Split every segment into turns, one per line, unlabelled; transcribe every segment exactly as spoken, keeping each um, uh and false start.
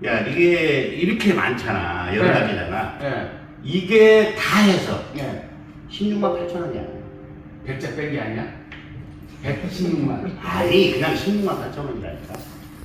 야, 이게 이렇게 많잖아. 여러
네.
가지잖아.
예.
이게 다 해서
예.
십육만 팔천 원이야.
백자 뺀 게 아니야? 백십육만.
아니, 그냥 십육만 팔천 원이라니까.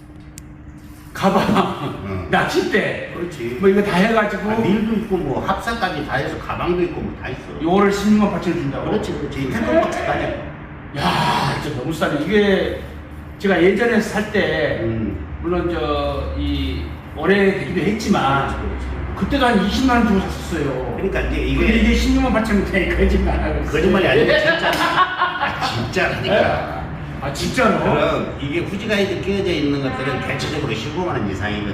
가방,
응.
낚싯대,
그렇지.
뭐 이거 다 해가지고
아, 밀도 있고 뭐 합사까지 다 해서 가방도 있고 뭐 다 있어.
요거를 십육만 팔천 원 준다고?
그렇지, 그렇지. 태권박스 다냐.
야, 진짜 너무 싸네. 이게 제가 예전에 살 때
음.
물론 저 이 오래되기도 했지만
그렇지.
그때도 한 이십만 원 주고 샀었어요.
그러니까 이제
이게
이게
이게 십육만 팔천 원이니까 거짓말 하고 있어요.
거짓말이 아니고 진짜. 아, 진짜라니까.
아 진짜로?
그럼 이게 후지가이드 끼어져 있는 것들은 대체적으로 십오만 원 이상이거든.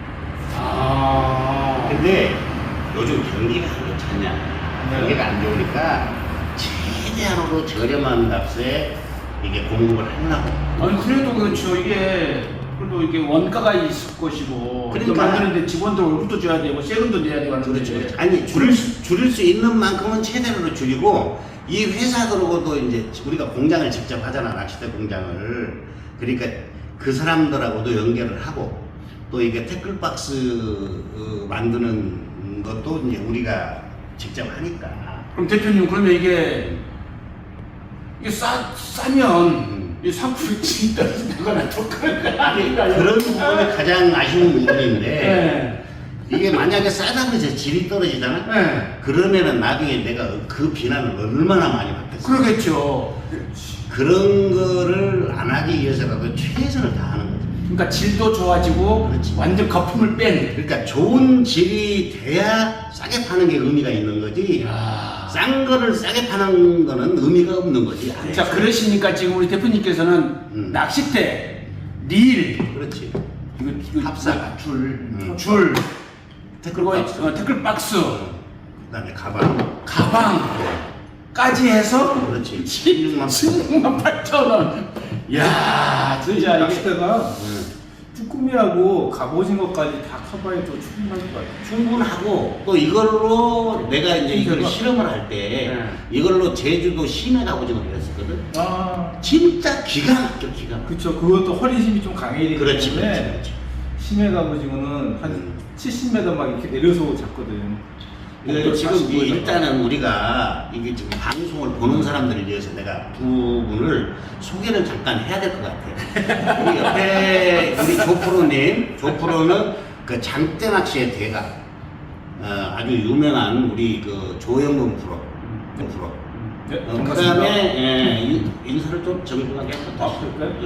아.
근데 요즘 경기가 안 좋잖냐.
네.
경기가 안 좋으니까 최대한으로 저렴한 값에 이게 공급을 하려고.
아니 그래도 그렇죠. 이게 그래도 이게 원가가 있을 것이고
그러니까.
이거 만드는데 직원들 월급도 줘야 되고 세금도 내야 되고 하는데
그렇죠. 그렇죠. 아니 줄일 수, 줄일 수 있는 만큼은 최대로 줄이고 이 회사들하고도 이제 우리가 공장을 직접 하잖아. 낚싯대 공장을. 그러니까 그 사람들하고도 연결을 하고 또 이게 태클박스 어, 만드는 것도 이제 우리가 직접 하니까.
그럼 대표님 그러면 이게 이게 싸 싸면
음.
이 상품이 진 떨어진다거나 독하는 거 아닌가요?
그런 부분이 가장 아쉬운 부분인데
네.
이게 만약에 싸다고 해서 질이 떨어지잖아.
네.
그러면은 나중에 내가 그 비난을 얼마나 많이 받겠어.
그러겠죠.
그런 거를 안 하기 위해서라도 최선을 다하는 거지.
그러니까 질도 좋아지고
그렇지.
완전 거품을 뺀.
그러니까 좋은 질이 돼야 싸게 파는 게 의미가 있는 거지.
야.
싼 거를 싸게 파는 거는 의미가 없는 거지.
자 그러시니까 지금 우리 대표님께서는
음.
낚싯대, 릴,
그렇지.
이거, 이거
합사.
줄,
음.
줄,
태클
그리고
박스.
어, 태클 박스,
그다음에 가방.
가방까지 해서
그렇지. 십육만
십육만 팔천 원. 야, 진짜 이게
낚싯대가
응.
쭈꾸미하고 갑오징어까지 다 커버해도 충분할 것 같아요.
충분하고 또 이걸로 내가 이제 이걸
대박.
실험을 할 때
네.
이걸로 제주도 심해 갑오징어를 했었거든.
아,
진짜 기가 막혀 기가 막혀.
그쵸. 그것도 허리심이 좀 강해야 되기
그렇지,
때문에
그렇지, 그렇지.
심해 갑오징어는 한
음.
칠십 미터 막 이렇게 내려서 잡거든.
그 지금 이
사십오 에다가.
일단은 우리가 이게 지금 방송을 보는 사람들을 위해서 내가 부분을 소개를 잠깐 해야 될 것 같아. 우리 옆에 우리 조프로님, 조프로는 그 장대 낚시의 대가, 어, 아주 유명한 우리 그 조영근 프로, 그 프로.
네,
어, 그
반갑습니다.
다음에 예, 인- 인사를 좀 정중하게 한번
아,
다시
그럴까요?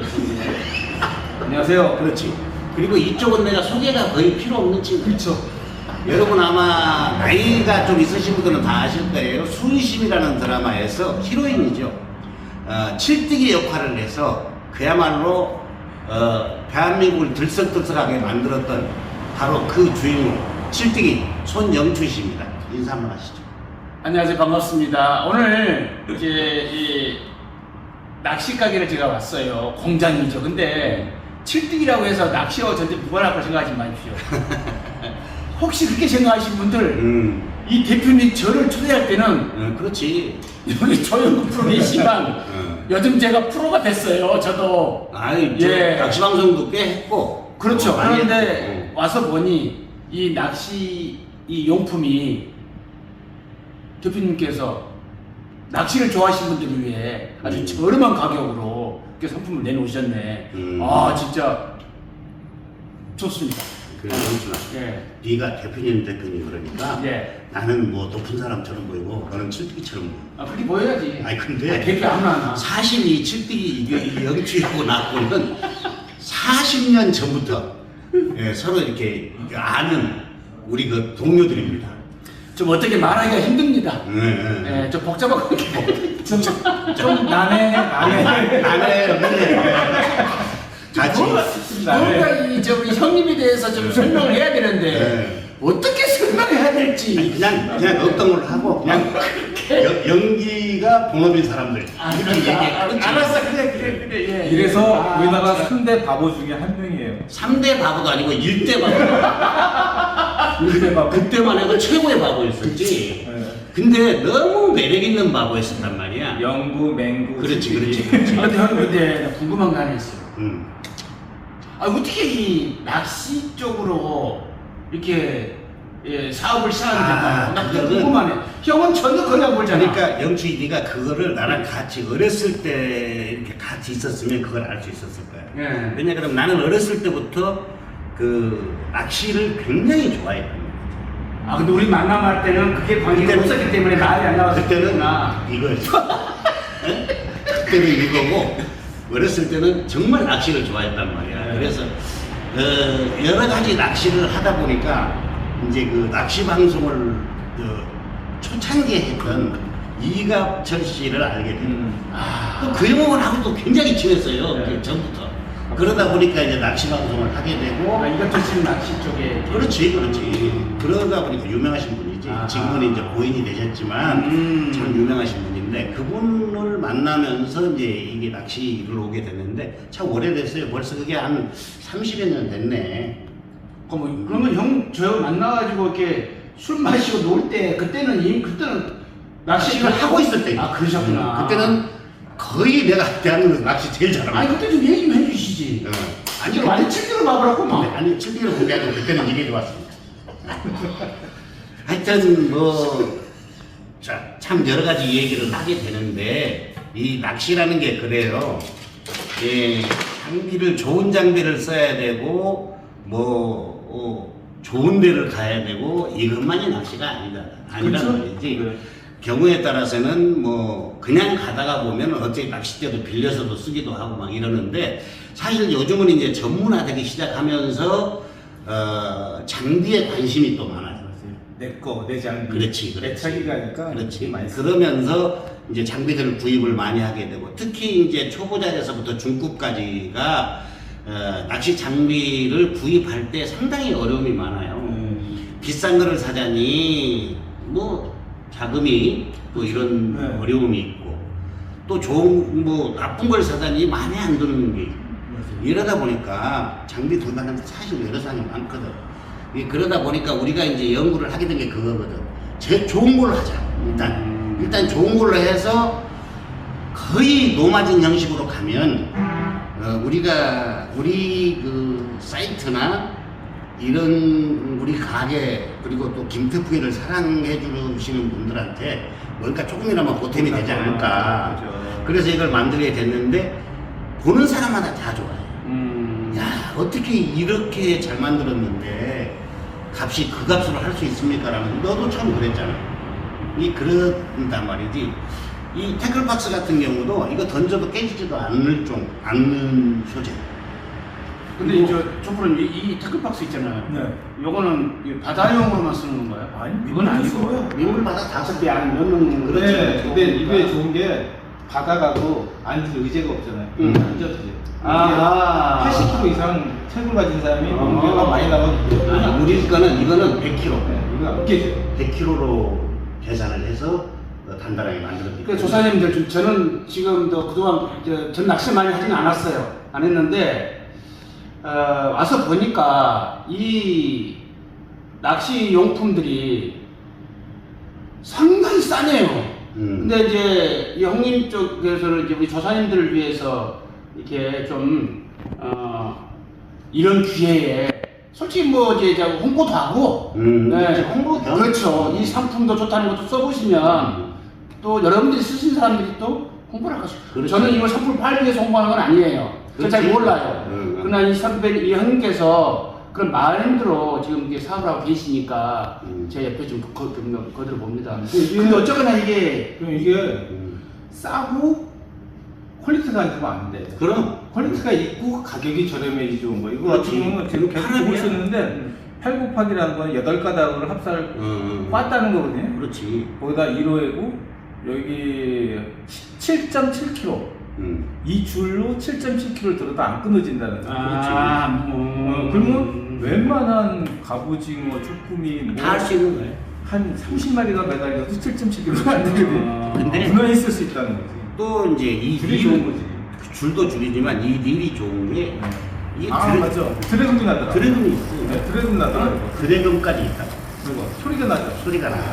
요
안녕하세요.
그렇지. 그리고 이쪽은 내가 소개가 거의 필요 없는 친구.
그렇죠.
여러분 아마 나이가 좀 있으신 분들은 다 아실 거예요. 순심이라는 드라마에서 히로인이죠. 어, 칠뜨기 역할을 해서 그야말로 어, 대한민국을 들썩들썩하게 만들었던 바로 그 주인공 칠뜨기 손영춘 씨입니다. 인사 한번 하시죠.
안녕하세요, 반갑습니다. 오늘 이제 이 낚시 가게를 제가 왔어요. 공장이죠. 근데 칠뜨기라고 해서 낚시와 전체 무관할 거 생각하지 마십시오. 혹시 그렇게 생각하시는 분들
음,
이 대표님 저를 초대할 때는
어, 그렇지.
여기 조영구 프로 계시지만
어.
요즘 제가 프로가 됐어요. 저도.
아이, 저
예.
낚시 방송도 꽤 했고.
그렇죠.
어, 많이
그런데
했고.
와서 보니 이 낚시 이 용품이 대표님께서 낚시를 좋아하시는 분들을 위해 아주
음.
저렴한 가격으로 이렇게 상품을 내놓으셨네.
음.
아 진짜 좋습니다.
그래, 영춘아.
예.
네가 대표님 대표님 그러니까
예.
나는 뭐 높은 사람처럼 보이고 너는 칠뜨기처럼 보이고.
아 그렇게 보여야지.
아니 근데
아, 대표 아무나 하나.
사실 이 칠뜨기 이 영주하고 나하고는 사십 년 전부터 예, 서로 이렇게 아는 우리 그 동료들입니다.
좀 어떻게 말하기가 힘듭니다.
네, 네.
예, 좀 복잡하고
좀, 좀 난해, 난해.
나는 같이
뭔가 이저 우리 형님에 대해서 좀 설명을 해야 되는데
네.
어떻게 설명해야 될지.
아니, 그냥 그냥 어떤 걸 하고 그냥 여, 연기가 본업인 사람들
아,
이렇게
그런가?
얘기해.
아,
그렇지.
알았어, 그래, 그래, 그래. 예.
이래서
아,
우리나라
진짜.
삼 대 바보 중에 한 명이에요.
삼 대 바보도 아니고 일 대 바보.
일 대 바보.
그때만 해도 최고의 바보였었지.
네.
근데 너무 매력 있는 바보였었단 말이야.
영구, 맹구.
그렇지,
칠뜨기.
그렇지, 그렇지.
아, 근데 형님 근데 나 궁금한 거 하나 있어요.
음.
아, 어떻게 이 낚시 쪽으로 이렇게 예, 사업을 시작하게
아,
됐나요? 나 그게
그거는-
궁금하네. 형은 전혀 그냥 몰잖아.
그러니까 영추이 네가 그거를 나랑 같이 어렸을 때 이렇게 같이 있었으면 그걸 알 수 있었을 거야.
예.
왜냐 그러면 나는 어렸을 때부터 그 낚시를 굉장히 좋아했단 말이야.
아, 근데 우리 만남할 때는 그게 관계가
그때는-
없었기 때문에 말이 안 나왔을
그때는
때구나.
이거였어. 응? 그때는 이거고 어렸을 때는 정말 낚시를 좋아했단 말이야.
네.
그래서 어, 여러 가지 낚시를 하다 보니까 이제 그 낚시 방송을 어, 초창기에 했던 이갑철 씨를 알게 돼.
음.
아,
또 그 형을 하고 또 굉장히 친했어요.
네.
그 전부터. 그러다 보니까 이제 낚시 방송을 하게 되고.
아, 이것도 지금 낚시 쪽에.
그렇지, 그렇지. 그러다 보니까 유명하신 분이지.
아하.
지금은 이제 고인이 되셨지만
음.
참 유명하신 분인데 그분을 만나면서 이제 이게 낚시를 오게 됐는데 참 오래됐어요. 벌써 그게 한 삼십여 년 됐네.
그 뭐, 그러면 형 저 만나가지고 이렇게 술 마시고 놀 때 그때는 이미 그때는
낚시를 하고 있을 때.
아, 그러셨구나.
음, 그때는 거의 내가 대한민국에서 낚시 제일 잘하고.
아니 그때 좀 얘기 좀 해주시지.
어.
아니 완전 칠대로 봐보라고
근데
막.
아니 칠기를 공개하고 그때는 이게 좋았습니다. 하여튼 뭐 자, 참 여러 가지 얘기를 하게 되는데 이 낚시라는 게 그래요. 예, 장비를 좋은 장비를 써야 되고 뭐 어, 좋은 데를 가야 되고 이것만이 낚시가 아니다. 아니란
그렇죠?
말이지.
네.
경우에 따라서는 뭐 그냥 가다가 보면 어차피 낚싯대도 빌려서도 쓰기도 하고 막 이러는데 사실 요즘은 이제 전문화되기 시작하면서 어, 장비에 관심이 또 많아요.
내 거, 내 장비.
그렇지,
내
그렇지.
차기가 하니까.
그렇지.
많이 쓰-
그러면서 이제 장비들을 구입을 많이 하게 되고 특히 이제 초보자에서부터 중급까지가 어, 낚시 장비를 구입할 때 상당히 어려움이 많아요.
음.
비싼 거를 사자니 뭐 자금이 또 이런
네.
어려움이 있고 또 좋은 뭐 나쁜 걸 사자니 마음에 안 드는 게 있고 이러다 보니까 장비 구입하는 데 사실 여러 사람이 많거든. 이 그러다 보니까 우리가 이제 연구를 하게 된 게 그거거든. 제일 좋은 걸로 하자. 일단
음.
일단 좋은 걸로 해서 거의 노마진 형식으로 가면 어, 우리가 우리 그 사이트나 이런 우리 가게 그리고 또 김태풍이를 사랑해 주시는 분들한테 뭔가 조금이나마 보탬이 되지 않을까.
그렇죠.
그래서 이걸 만들게 됐는데 보는 사람마다 다 좋아해.
음.
야 어떻게 이렇게 잘 만들었는데 값이 그 값으로 할 수 있습니까? 라면 너도 참 그랬잖아. 이 그런단 말이지. 이 태클박스 같은 경우도 이거 던져도 깨지지도 않을 좀 않는 소재.
근데 이제 저분은 이, 이 태클박스 있잖아요.
네.
요거는 이 바다용으로만 쓰는 건가요?
아니,
이건 아니고.
써요.
민물바다 다
다섯 배 안에 넣는
그렇죠.
네, 근데 이게
좋으니까.
좋은 게 바다가도 앉을 의자가 없잖아요.
음.
앉아도 돼요.
아하.
팔십 킬로그램 이상 체중을 가진 사람이
아.
무게가 많이 나가도
아니, 우리 거는 이거는 백 킬로그램.
네, 이거 안 깨져요.
백 킬로그램로 계산을 해서 어, 단단하게 만들었기
그 조사님들 좀 저는 지금도 그동안 저, 전 낚시 많이 하진 않았어요. 안 했는데 어, 와서 보니까 이 낚시 용품들이 상당히 싸네요.
음.
근데 이제 이 형님 쪽에서는 이제 우리 조사님들을 위해서 이렇게 좀 어, 이런 기회에 솔직히 뭐 이제 이제 홍보도 하고
음,
네.
그렇죠. 홍보 겸.
그렇죠. 이 상품도 좋다는 것도 써보시면
음.
또 여러분들이 쓰신 사람들이 또 홍보를 할 것이죠.
그렇죠.
저는 이걸 상품을 팔기 위해서 홍보하는 건 아니에요. 저는 잘
그렇지.
몰라요.
음.
그러나 이 선배, 이 형님께서 그런 마음대로 지금 이게 사업을 하고 계시니까
음.
제 옆에 좀 거, 좀 거들어 봅니다.
이게-
근데 어쩌거나 이게
그럼 이게
음.
싸고 퀄리티가 안 좋으면 안 돼.
그럼
퀄리티가 있고 가격이 저렴해지 좋은 거. 이거
그렇지.
같은 경우는 제가
이거
계속
파람이야.
보고 있었는데 팔 곱하기라는 건 여덟 가닥으로 합사를
음.
빻다는 거거든요.
그렇지.
거기다 일 호이고 여기 칠 점 칠 킬로그램.
음.
이 줄로 칠 점 칠 킬로그램을 들어도 안 끊어진다는 거.
아,
어, 그러면 웬만한 갑오징어, 쭈꾸미 뭐
다 할 수 있는 거예요.
한 삼십 마리가 매달려도 칠 점 칠 킬로그램 안 되거든.
아,
근데
문어 있을 수 있다는 거지.
또 이제 이
줄이
릴-
좋은 거지.
그 줄도 줄이지만 이 릴이 좋은 게 이게
아
드래,
맞죠. 드래곤이 나더라.
드래곤이 있어.
네, 드래곤 나더라. 이거.
드래곤까지 있다.
그리고 소리가 나죠.
소리가 나.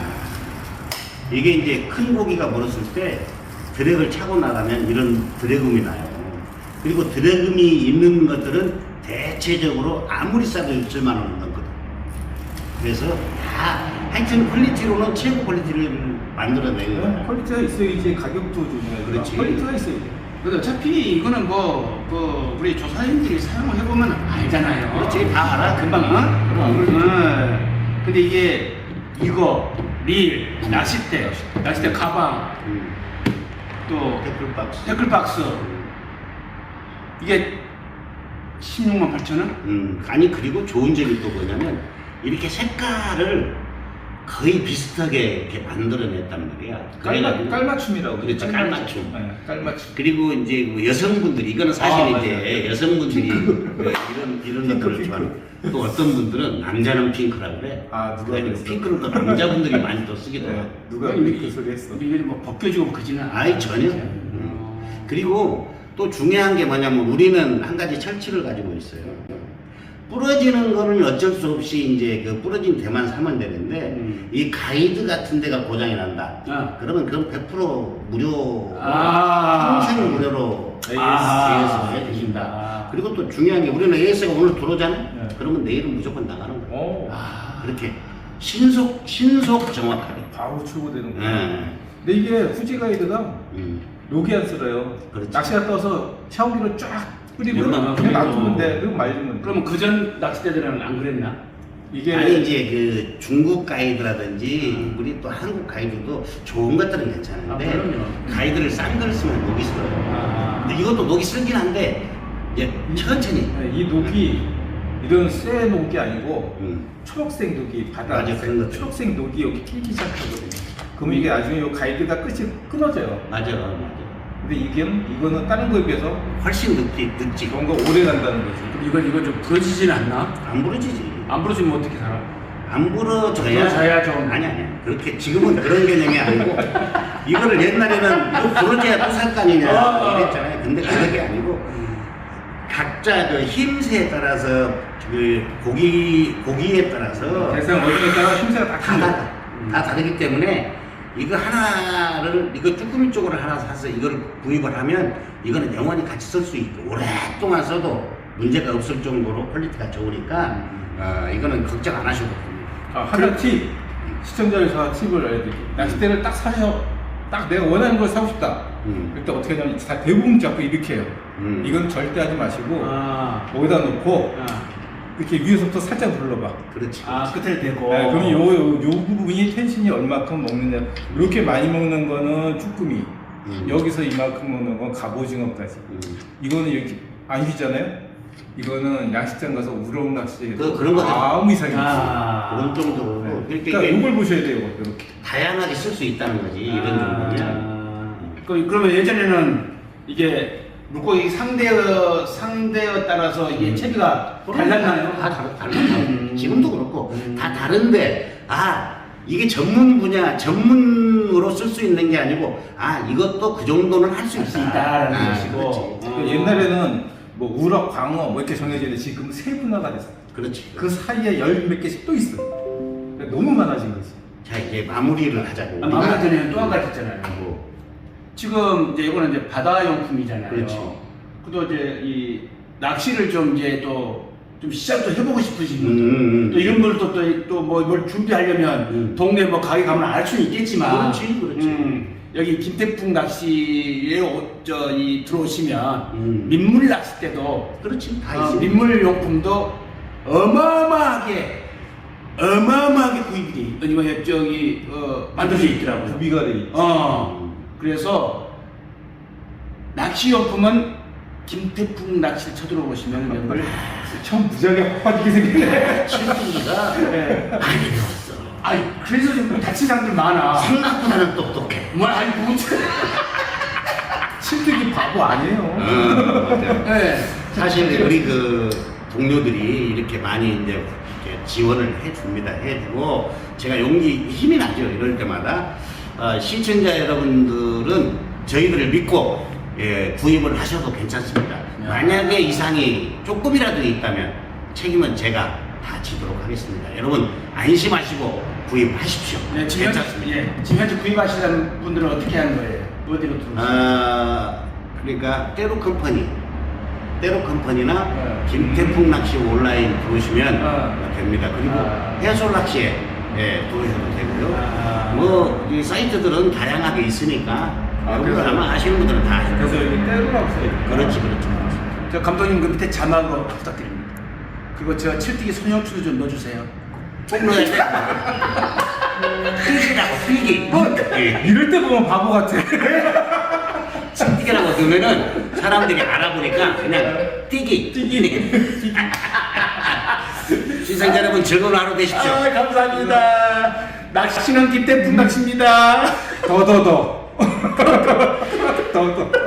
이게 이제 큰 고기가 물었을 때 드랙을 차고 나가면 이런 드래금이 나요. 그리고 드래금이 있는 것들은 대체적으로 아무리 싸도 육천만 원은 넘거든. 그래서 다 하여튼 퀄리티로는 최고 퀄리티를 만들어내는 거야.
퀄리티가 있어야지 가격도 중요해.
그렇지.
퀄리티가 있어야지.
근데 어차피 이거는 뭐, 그 우리 조사님들이 사용을 해보면 알잖아요.
그렇지, 다 알아.
금방, 어? 어. 근데 이게 이거 릴, 낚싯대, 낚싯대 가방,
음.
또
태클박스.
태클박스 이게 십육만 팔천 원?
음, 아니 그리고 좋은 점이 또 뭐냐면 이렇게 색깔을 거의 비슷하게 이렇게 만들어냈단 말이야.
깔맞,
그래가지고-
깔맞춤이라고.
그렇지, 깔맞춤.
네, 깔맞춤.
그리고 이제 뭐 여성분들이 이거는 사실
아,
이제
맞아요.
여성분들이 그 이런 이런
핑크,
것들을
핑크.
좋아하는 또 어떤 분들은 남자는 핑크라 그래.
아, 누가
그래가지고
그랬어?
핑크는 또 남자분들이 많이 또 쓰기도 하고.
네, 누가
이게-
그 소리 했어?
이게 뭐 벗겨지고 그지는
아이 전혀. 음. 그리고 또 중요한 게 뭐냐면 우리는 한 가지 철칙을 가지고 있어요. 부러지는 거는 어쩔 수 없이 이제 그 부러진 대만 사면 되는데
음.
이 가이드 같은 데가 고장이 난다.
아.
그러면 그건 백 퍼센트 무료,
아.
평생 무료로
아.
에이에스가 해주신다.
아.
그리고 또 중요한 게 우리는 에이에스가 오늘 들어오잖아.
네.
그러면 내일은 무조건 나가는 거야.
오,
아.
그렇게 신속 신속 정확하게.
바로 출고되는 거야.
예.
근데 이게 후지 가이드가
음.
녹이 안 쓸어요.
그렇지.
낚시가 떠서 샤워기로 쫙 뿌리면
아,
그냥
그래요?
놔두면 돼. 그럼 말리면 돼.
그러면 그전 낚싯대들은 안 그랬나?
이게
아니 이제 그 중국 가이드라든지 우리 또 한국 가이드도 좋은 것들은 괜찮은데
아, 그럼요.
가이드를 싼 걸 쓰면 녹이 슬어요.
아.
근데 이것도 녹이 슬긴 한데 이제 천천히.
네, 이 녹이 이런 쇠 녹이 아니고
음.
초록색 녹이 바다
맞아, 그런 것들.
초록색 녹이 여기 끼기 시작하거든요. 그러면 이게 나중에 이 가이드가 끝이 끊어져요.
맞아, 맞아.
근데 이게 이거는 다른 거에 비해서
훨씬 늦지, 늦지.
그런 거 오래 간다는 거지.
그럼 이건 이건 좀 부러지진 않나?
안 부러지지.
안 부러지면 어떻게 살아?
안 부러져야.
부러져야 좀.
아니 아니. 그렇게 지금은 그런 개념이 아니고 이거를 옛날에는 뭐 부러져야 또 살 거 아니냐
아.
이랬잖아요. 근데 그게 아니고 각자 그 힘새에 따라서 그 고기 고기에 따라서
대상 어디에 따라 힘새가 다
다
틀려.
달라. 다 다르기 때문에 이거 하나를 이거 쭈꾸미 쪽으로 하나 사서 이걸 구입을 하면 이거는 영원히 같이 쓸 수 있고 오랫동안 써도 문제가 없을 정도로 퀄리티가 좋으니까 어, 이거는 걱정 안 하셔도 됩니다.
아, 하나 팁. 시청자에서 팁을 알려드릴게요. 낚싯대를 딱 사셔. 딱 내가 원하는 걸 사고 싶다.
음.
그때 어떻게 하냐면 다 대부분 잡고 이렇게 해요.
음.
이건 절대 하지 마시고
아.
여기다 놓고
아,
이렇게 위에서부터 살짝 눌러봐.
그렇지.
아 끝을 대고.
네, 그럼 요, 요, 요 부분이 텐션이 얼마큼 먹느냐. 이렇게 많이 먹는 거는 쭈꾸미.
음.
여기서 이만큼 먹는 건 갑오징어까지.
음.
이거는 이렇게 안 휘잖아요? 이거는 야식장 가서 우럭 낚시
그- 그런 거죠.
아무 이상이 없어요.
아.
그런 정도로
네.
이렇게
그러니까 이걸 보셔야 돼요. 이렇게.
다양하게 쓸 수 있다는 거지 이런 정도면.
아. 그 그러면 예전에는 이게 물고기 상대어 상대어 따라서 이게
음.
채비가 달랐나요?
다 다르, 달라.
음.
지금도 그렇고
음.
다 다른데 아 이게 전문 분야 전문으로 쓸 수 있는 게 아니고 아 이것도 그 정도는 할 수
할 수
있다.
있다라는
아,
것이고.
그렇지.
어.
그 옛날에는 뭐 우럭, 광어 뭐 이렇게 정해져 있는데 지금 세분화가 됐어.
그렇지.
그 사이에 열 몇 개씩 또 있어. 그러니까 너무 많아진 거지.
자 이제 마무리를 하자고.
아, 마무리 전에 또 한 가지 있잖아요.
뭐,
지금 이제 이거는 이제 바다용품이잖아요.
그렇지.
그도 이제 이 낚시를 좀 이제 또 좀 시작도 해보고 싶으신
음,
분들,
음, 음.
또 이런 걸 또 또 뭐 뭘 준비하려면
음.
동네 뭐 가게 가면 알 수는 있겠지만,
그렇지, 그렇지.
음, 여기 김태풍 낚시에 오- 저, 이 들어오시면
음.
민물 낚시 때도
그렇지 다
어,
있어.
민물 용품도 어마어마하게 어마어마하게 구입이 돼. 이거 저기 어, 만들어져 있더라고요.
구비가 돼 있지.
어, 그래서 낚시용품은 김태풍 낚시를 쳐들어보시면 여러분들
처음 무지하게 빠지게 생겼네.
칠순이가
네.
많이 배웠어.
아니 그래서 좀 다친 사람들 많아.
생각보다는 똑똑해.
뭐 아니 뭐
실득이 바보 아니에요.
음, 맞아요.
네.
사실 우리 그 동료들이 이렇게 많이 이제 이렇게 지원을 해줍니다. 해주고 제가 용기 힘이 나죠. 이럴 때마다 어, 시청자 여러분들은 저희들을 믿고 예, 구입을 하셔도 괜찮습니다. 만약에 이상이 조금이라도 있다면 책임은 제가 다 지도록 하겠습니다. 여러분 안심하시고 구입하십시오.
네, 지금 현재,
괜찮습니다.
예, 지금 현재 구입하시는 분들은 어떻게 하는 거예요? 어디로 들어오세요?
아, 그러니까 때로 컴퍼니 때로 컴퍼니나
네.
김태풍 낚시 온라인 들어오시면
네.
됩니다. 그리고
아.
해솔 낚시에 예, 들어오셔도 되고요.
아.
뭐 이 사이트들은 다양하게 있으니까
아,
여러분들
그래서-
아마 아시는 분들은 다 아실
그래서
거예요.
여기 때로라고 써있고.
그렇지, 그렇지.
저 감독님 그 밑에 자막으로 부탁드립니다. 그리고 저 칠뜨기 소녀추도 좀 넣어주세요.
꼭 넣어야 돼. 필기라고 필기. 예.
이럴 때 보면 바보 같아.
칠뜨기라고 넣으면은 사람들이 알아보니까 그냥 뛰기. 뛰기. 시청자 여러분 즐거운 하루 되십시오.
아, 감사합니다. 낚시는 김태풍 낚시입니다.
더더더. 더더.